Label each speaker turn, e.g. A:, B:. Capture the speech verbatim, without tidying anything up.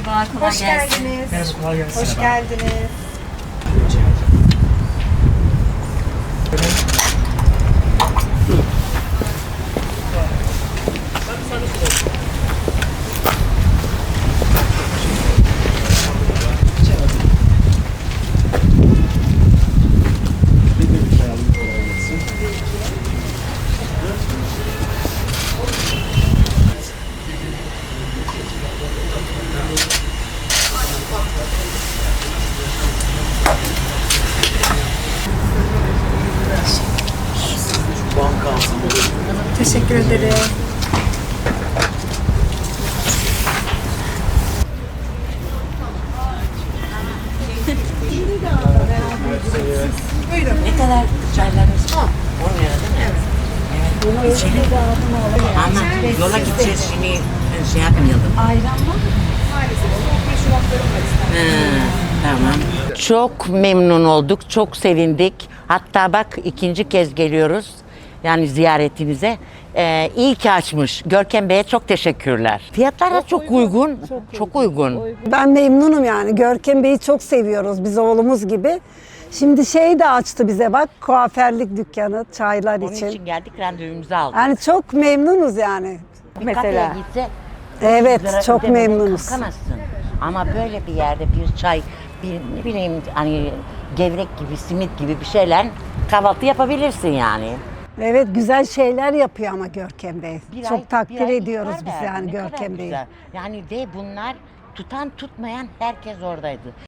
A: Merhabalar, kolay
B: Hoş
A: gelsin.
B: geldiniz.
C: Merhaba, kolay gelsin.
B: Hoş geldiniz. Teşekkür ederim.
A: Ne kadar çaylarınız var? on lira değil mi? Evet. Evet. İçelim. Ama yola gideceğiz şimdi şey yapmayalım.
B: Ayran var mı? Maalesef. Soğuk meşrubatlarım var istedim.
A: Tamam. Çok memnun olduk, çok sevindik. Hatta bak ikinci kez geliyoruz. Yani ziyaretinize. Ee, iyi ki açmış. Görkem Bey'e çok teşekkürler. Fiyatlar da çok uygun. Çok uygun.
D: Ben memnunum yani. Görkem Bey'i çok seviyoruz biz oğlumuz gibi. Şimdi şey de açtı bize bak kuaförlük dükkanı çaylar
A: Onun
D: için.
A: için geldik, randevumuzu aldık.
D: Yani çok memnunuz yani.
A: Bir kafeye gitse
D: Evet,
A: yüz lira
D: çok
A: ödemeden
D: memnunuz.
A: kalkamazsın. Ama böyle bir yerde bir çay, bir ne bileyim hani gevrek gibi, simit gibi bir şeyler kahvaltı yapabilirsin yani.
D: Evet güzel şeyler yapıyor ama Görkem Bey.
A: Bir
D: çok
A: ay-
D: takdir
A: bir ay
D: ediyoruz
A: iftar
D: biz
A: verdi.
D: yani
A: Ne kadar
D: Görkem Bey'i.
A: güzel. Yani ve bunlar tutan tutmayan herkes oradaydı.